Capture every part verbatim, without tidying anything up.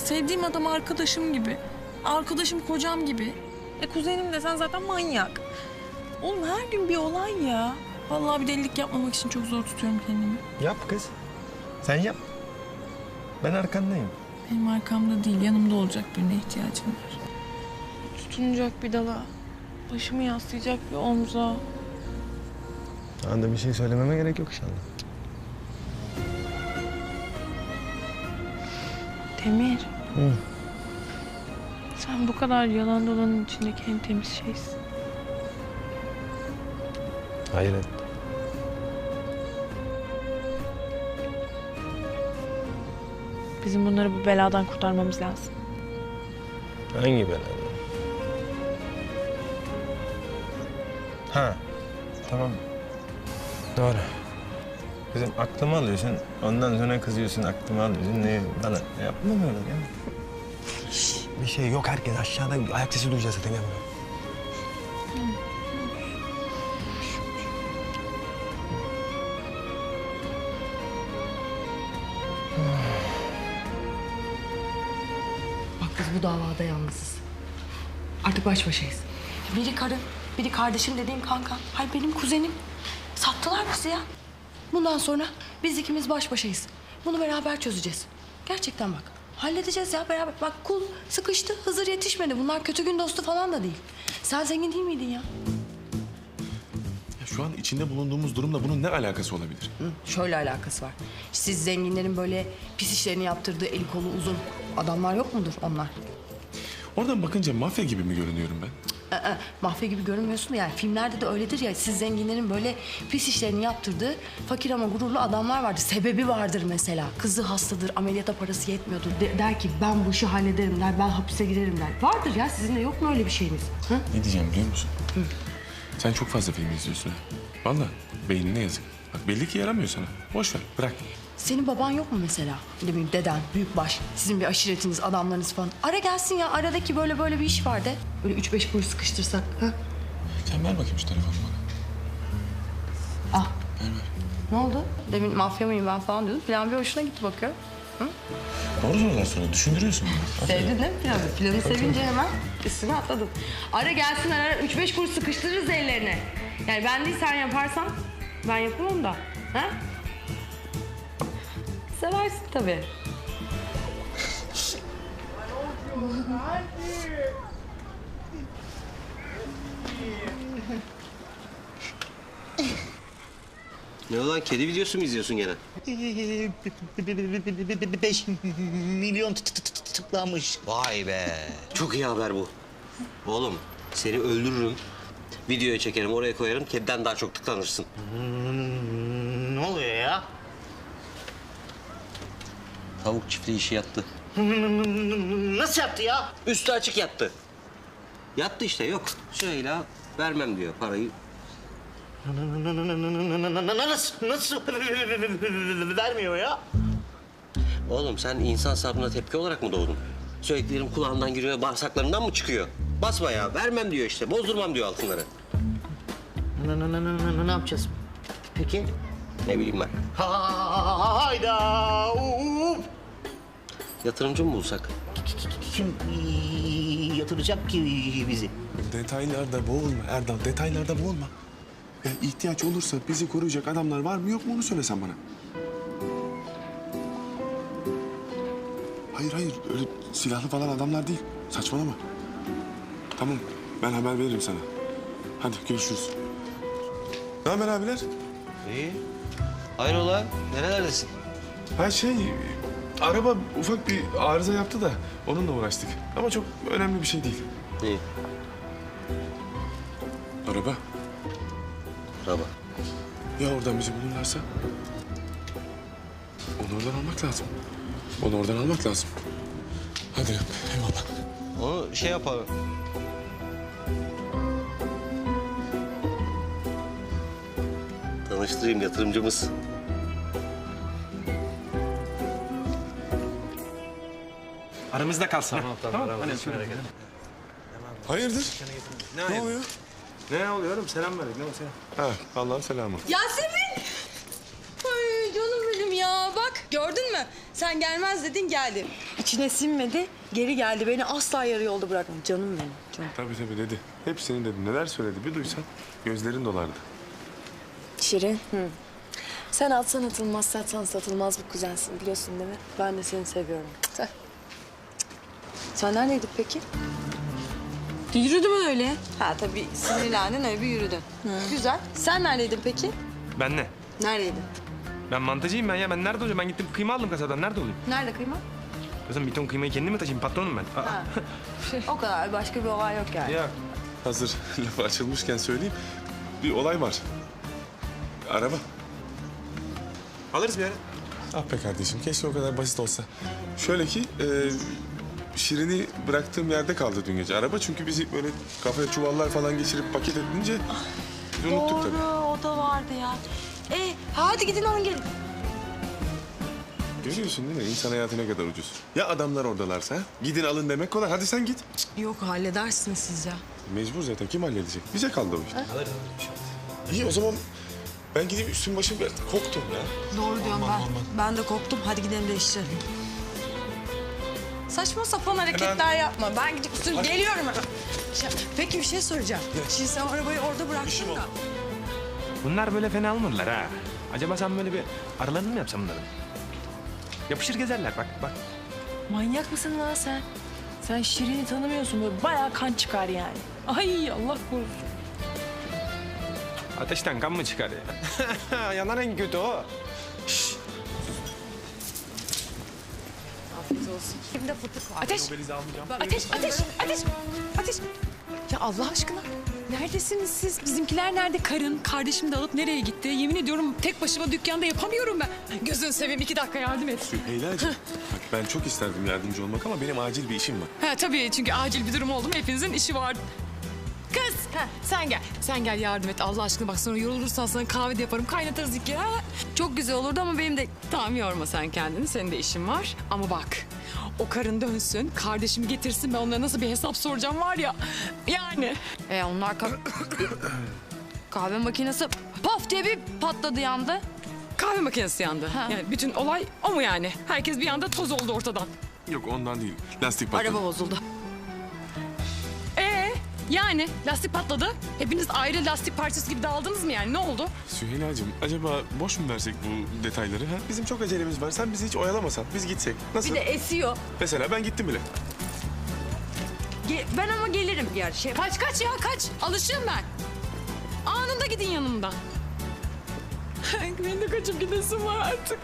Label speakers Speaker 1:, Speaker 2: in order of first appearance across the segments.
Speaker 1: sevdiğim adam arkadaşım gibi. Arkadaşım kocam gibi. E kuzenim desen zaten manyak. Oğlum her gün bir olay ya. Vallahi bir delilik yapmamak için çok zor tutuyorum kendimi.
Speaker 2: Yap kız. Sen yap. Ben arkandayım.
Speaker 1: Benim arkamda değil, yanımda olacak birine ihtiyacım var. Tutunacak bir dala, başımı yaslayacak bir omza.
Speaker 2: Anda bir şey söylememe gerek yok inşallah.
Speaker 1: Demir.
Speaker 2: Hı.
Speaker 1: Sen bu kadar yalan dolanın içindeki en temiz şeysin.
Speaker 2: Hayret.
Speaker 1: Bizim bunları bu beladan kurtarmamız lazım.
Speaker 2: Hangi bela? Ha. Tamam. Doğru. Kızım aklımı alıyorsun, ondan sonra kızıyorsun, aklımı alıyorsun. Ne bana yapma böyle ya. Bir şey yok, herkes aşağıda ayak sesi duyacağız zaten ya.
Speaker 3: Bak biz bu davada yalnızız. Artık baş başayız. Biri karım, biri kardeşim dediğim kanka. Hayır benim kuzenim. Sattılar bizi ya. Bundan sonra biz ikimiz baş başayız. Bunu beraber çözeceğiz. Gerçekten bak. Halledeceğiz ya beraber. Bak kul sıkıştı, Hızır yetişmedi. Bunlar kötü gün dostu falan da değil. Sen zengin değil miydin ya?
Speaker 4: Ya şu an içinde bulunduğumuz durumla bunun ne alakası olabilir?
Speaker 3: Hı, şöyle alakası var. Siz zenginlerin böyle pis işlerini yaptırdığı eli kolu uzun adamlar yok mudur onlar?
Speaker 4: Oradan bakınca mafya gibi mi görünüyorum ben?
Speaker 3: Ee, mafya gibi görünmüyorsun da yani filmlerde de öyledir ya, siz zenginlerin böyle pis işlerini yaptırdığı fakir ama gururlu adamlar vardır. Sebebi vardır mesela. Kızı hastadır, ameliyata parası yetmiyordur. De- der ki ben bu işi hallederim der, ben hapise girerim der. Vardır ya, sizin de yok mu öyle bir şeyiniz? Hı?
Speaker 4: Ne diyeceğim biliyor musun? Hı. Sen çok fazla film izliyorsun ha. Vallahi beynine yazık. Bak belli ki yaramıyor sana. Boş ver, bırak.
Speaker 3: Senin baban yok mu mesela? Ne bileyim deden, büyükbaş, sizin bir aşiretiniz, adamlarınız falan. Ara gelsin ya, aradaki böyle böyle bir iş var de. Böyle üç beş kuruş sıkıştırsak. Ha?
Speaker 4: Sen ver bakayım şu telefonu bana.
Speaker 3: Ah.
Speaker 4: Ver ver.
Speaker 3: Ne oldu? Demin mafya mıyım ben falan diyordun. Plan bir hoşuna gitti bakıyorum. Hı?
Speaker 4: Doğru sorular sonra düşündürüyorsun beni.
Speaker 3: Sevdin değil mi planı? Planı sevince hemen üstüne atladın. Ara gelsin ara, üç beş kuruş sıkıştırırız ellerine. Yani ben değil sen yaparsan ben yapamam da. Ha? Seversin tabii.
Speaker 5: Ne olan kedi videosu mu izliyorsun gene?
Speaker 6: Beş milyon tı- tı- tı- tıklanmış.
Speaker 5: Vay be. Çok iyi haber bu. Oğlum seni öldürürüm. Videoya çekerim, oraya koyarım. Kediden daha çok tıklanırsın.
Speaker 6: Ne oluyor ya?
Speaker 5: Tavuk çiftliği işi yattı.
Speaker 6: Nasıl yaptı ya?
Speaker 5: Üstü açık yattı. Yattı işte, yok. Süheyla vermem diyor parayı.
Speaker 6: Nasıl, nasıl vermiyor ya?
Speaker 5: Oğlum sen insan sabrına tepki olarak mı doğdun? Söylediklerim kulağından giriyor, bağırsaklarından mı çıkıyor? Basma ya, vermem diyor işte. Bozdurmam diyor altınları.
Speaker 6: Ne yapacağız? Peki?
Speaker 5: Ne bileyim ben.
Speaker 6: Hayda! Uf!
Speaker 5: Yatırımcı mı bulsak?
Speaker 6: Kim yatıracak ki bizi?
Speaker 4: Detaylarda boğulma Erdal, detaylarda boğulma. Ya ihtiyaç olursa bizi koruyacak adamlar var mı yok mu onu söylesen bana. Hayır hayır öyle silahlı falan adamlar değil. Saçmalama. Tamam ben haber veririm sana. Hadi görüşürüz. Ne haber abiler?
Speaker 5: İyi. Hayrola, nerelerdesin?
Speaker 4: Ha şey araba ufak bir arıza yaptı da onunla uğraştık. Ama çok önemli bir şey değil.
Speaker 5: İyi.
Speaker 4: Araba.
Speaker 5: Araba.
Speaker 4: Ya oradan bizi bulurlarsa? Onu oradan almak lazım. Onu oradan almak lazım. Hadi eyvallah.
Speaker 5: Onu şey yapalım. Tanıştırayım, yatırımcımız.
Speaker 7: Aramızda kalsın. Tamam tamam. tamam.
Speaker 4: Hayırdır? Ne, oluyor?
Speaker 7: Ne oluyor oğlum? Selam verdik. Ne o selam?
Speaker 4: Ha Allah'ın selamı.
Speaker 8: Yasemin! Ay canım benim ya. Bak gördün mü?
Speaker 3: mı? Sen gelmez dedin geldi. İçine sinmedi geri geldi. Beni asla yarı yolda bırakmadı. Canım benim. Canım.
Speaker 4: Tabii tabii dedi. Hepsini dedi. Neler söyledi bir duysan gözlerin dolardı.
Speaker 3: Şirin. Hı. Sen atsan atılmaz, satsan satılmaz bir kuzensin biliyorsun değil mi? Ben de seni seviyorum. Tüh. Sen neredeydin peki?
Speaker 1: Yürüdüm öyle.
Speaker 3: Ha tabii sinirlendin öyle bir yürüdün. Güzel. Sen neredeydin peki?
Speaker 7: Ben ne?
Speaker 3: Neredeydin?
Speaker 7: Ben mantıcıyım ben ya. Ben nerede olacağım? Ben gittim kıyma aldım kasadan. Nerede olayım?
Speaker 3: Nerede kıyma?
Speaker 7: Kızım bir ton kıymayı kendim mi taşıyayım? Patronum ben. Aa.
Speaker 3: O kadar başka bir olay yok yani.
Speaker 7: Ya
Speaker 4: Hazır lafı açılmışken söyleyeyim. Bir olay var. Araba.
Speaker 7: alırız bir ara.
Speaker 4: Ah be kardeşim keşke o kadar basit olsa. Şöyle ki e, Şirin'i bıraktığım yerde kaldı dün gece araba. Çünkü bizi böyle kafaya çuvallar falan geçirip paket edince biz unuttuk tabii.
Speaker 3: Doğru o da vardı ya. E hadi gidin alın gelin.
Speaker 4: Görüyorsun değil mi? İnsan hayatı ne kadar ucuz. Ya adamlar oradalarsa? Gidin alın demek kolay. Hadi sen git.
Speaker 3: Yok halledersiniz siz ya.
Speaker 4: Mecbur zaten. Kim halledecek? Bize kaldı o iş. İyi o zaman ben gideyim üstüm başım biraz koktum ya.
Speaker 3: Doğru diyorum ben. Ben de korktum. Hadi gidelim değiştirelim. Saçma sapan hareketler yapma. Ben gidip üstüne geliyorum hemen. Şey, peki bir şey soracağım. Şimdi sen arabayı orada bıraktın da.
Speaker 7: Bunlar böyle fena almadılar ha. Acaba sen böyle bir aralarını mı yapsam bunların? Yapışır gezerler bak bak.
Speaker 1: Manyak mısın lan sen? Sen Şirin'i tanımıyorsun böyle bayağı kan çıkar yani. Ay Allah korusun.
Speaker 7: Ateşten kan mı çıkar ya? Yanan en kötü o.
Speaker 3: Afiyet olsun. Kimde fıtık var?
Speaker 1: Ateş! Ateş, ateş, ateş, ateş. Ya Allah aşkına neredesiniz siz? Bizimkiler nerede? Karın, kardeşim de alıp nereye gitti? Yemin ediyorum tek başıma dükkanda yapamıyorum ben. Gözünü seveyim iki dakika yardım et.
Speaker 4: Süheyla'cığım bak ben çok isterdim yardımcı olmak ama benim acil bir işim var.
Speaker 1: Ha tabii çünkü acil bir durum oldu mu hepinizin işi var. Kız sen gel. Sen gel yardım et Allah aşkına bak sonra yorulursan sana kahve de yaparım kaynatırız iki. Ha? Çok güzel olurdu ama benim de tamam yorma sen kendini senin de işin var. Ama bak o karın dönsün kardeşimi getirsin ben onlara nasıl bir hesap soracağım var ya. Yani.
Speaker 3: E onlar ka- kahve makinesi paf diye bir patladı yandı.
Speaker 1: Kahve makinesi yandı.
Speaker 3: Ha.
Speaker 1: Yani bütün olay o mu yani? Herkes bir anda toz oldu ortadan.
Speaker 4: Yok ondan değil. Lastik patladı.
Speaker 3: Araba bozuldu.
Speaker 1: Ee yani lastik patladı. Hepiniz ayrı lastik parçası gibi dağıldınız mı yani? Ne oldu?
Speaker 4: Süheyla'cığım acaba boş mu versek bu detayları? Ha? Bizim çok acelemiz var. Sen bizi hiç oyalamasan biz gitsek. Nasıl?
Speaker 3: Bir de esiyor.
Speaker 4: Mesela ben gittim bile.
Speaker 3: Ge- ben ama gelirim bir yer şey.
Speaker 1: Kaç kaç ya kaç. Alışığım ben. Anında gidin yanımdan. Benim de kaçıp gidesim var artık.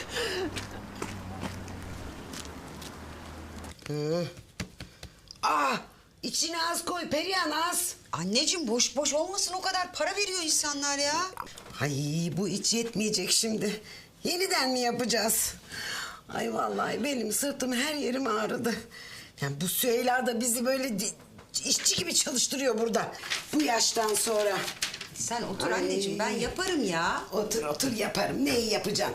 Speaker 8: Ah, içine az koy Perihan az. Anneciğim boş boş olmasın o kadar para veriyor insanlar ya. Ay bu iç yetmeyecek şimdi. Yeniden mi yapacağız? Ay vallahi benim sırtım her yerim ağrıdı. Yani bu Süheyla da bizi böyle di- işçi gibi çalıştırıyor burada. Bu yaştan sonra.
Speaker 9: Sen otur
Speaker 8: Ay.
Speaker 9: anneciğim ben yaparım ya.
Speaker 8: Otur otur yaparım. Neyi yapacağım?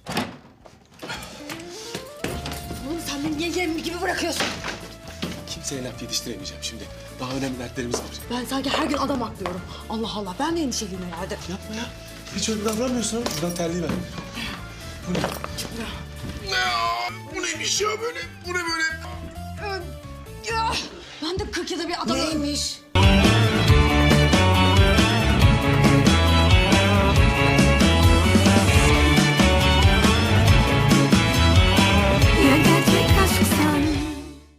Speaker 3: Oğlum sen beni niye yem gibi bırakıyorsun?
Speaker 4: Kimseye laf yetiştiremeyeceğim şimdi. Daha önemli dertlerimiz var.
Speaker 3: Ben sanki her gün adam aklıyorum. Allah Allah ben de endişeliyim herhalde.
Speaker 4: Yapma ya. Hiç öyle davranmıyorsun ama. Buradan terliği ver. Bu ne? Ne ya? Bu neymiş ya böyle? Bu ne böyle?
Speaker 3: Ya, ben de kırk yılda bir adam...
Speaker 8: Neymiş?